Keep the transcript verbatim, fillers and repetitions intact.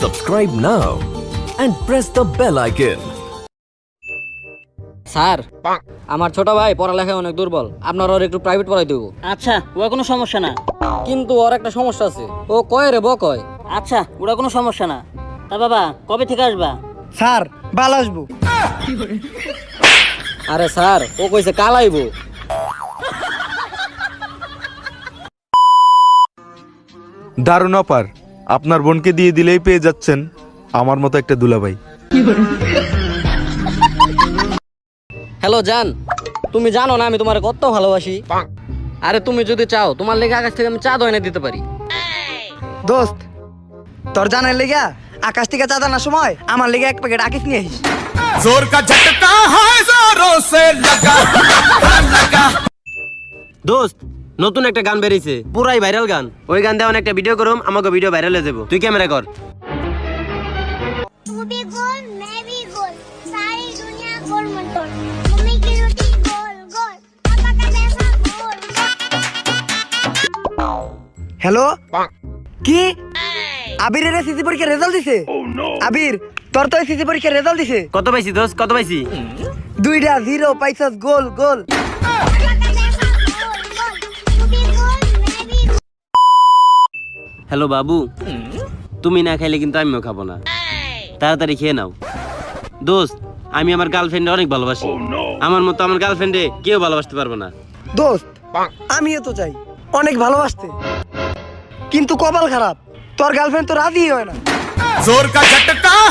Subscribe now and press the bell icon. Sir আমার ছোট ভাই পড়ালেখায় অনেক দুর্বল, আপনার ওর একটু প্রাইভেট পড়াই দেবো। আচ্ছা, ওটা কোনো সমস্যা না। কিন্তু ওর একটা সমস্যা আছে, ও কয় রে ব কয়। আচ্ছা, ওটা কোনো সমস্যা না। তা বাবা কবে থেকে আসবা? স্যার বাল আসবো। আরে স্যার ও কইছে কাল আইবো। দারুণ অপার, আপনার বোনকে দিয়ে দিলেই পেয়ে যাচ্ছেন আমার মতো একটা দুলাভাই। হ্যালো জান, তুমি জানো না আমি তোমার কত ভালোবাসি। আরে তুমি যদি চাও তোমার লেগে আকাশ থেকে আমি চা দইনে দিতে পারি। দোস্ত, তোর জানার লেগা আকাশ থেকে চাঁদা আনার সময় আমার লেগে এক প্যাকেট আকিস নিয়ে আসিস। जोर का झटका है जोरों से लगा लगा। দোস্ত নতুন একটা গান বেরিয়েছে, পুরাই ভাইরাল গান। ওই গান দিয়ে একটা ভিডিও করুম, আমাকে ভিডিও ভাইরাল হয়ে যাবো। তুই ক্যামেরা কর। तू भी गोल मैं भी गोल सारी दुनिया गोल मटोल मम्मी की रोटी गोल गोल पापा का पैसा गोल হ্যালো, কি আবিরের এসএসসি পরীক্ষার রেজাল্ট দিছে? আবির, তোর তো এসএসসি পরীক্ষার রেজাল্ট দিছে। কত পাইছি দোস্ত, কত পাইছি? দুইটা জিরো পাইছস, গোল গোল। पापा का पैसा गोल गोल तू भी गोल मैं भी गोल হ্যালো বাবু, তুমি না খাইলে কিন্তু আমিও খাবো না, তাড়াতাড়ি খেয়ে নাও। দোস্ত আমি আমার গার্লফ্রেন্ডে অনেক ভালোবাসি, আমার মতো আমার গার্লফ্রেন্ডে কেউ ভালোবাসতে পারবে না। দোস্ত আমিও তো চাই অনেক ভালোবাসতে, কিন্তু কপাল খারাপ, তোর গার্লফ্রেন্ড তো রাজি হয় না। जोर का झटका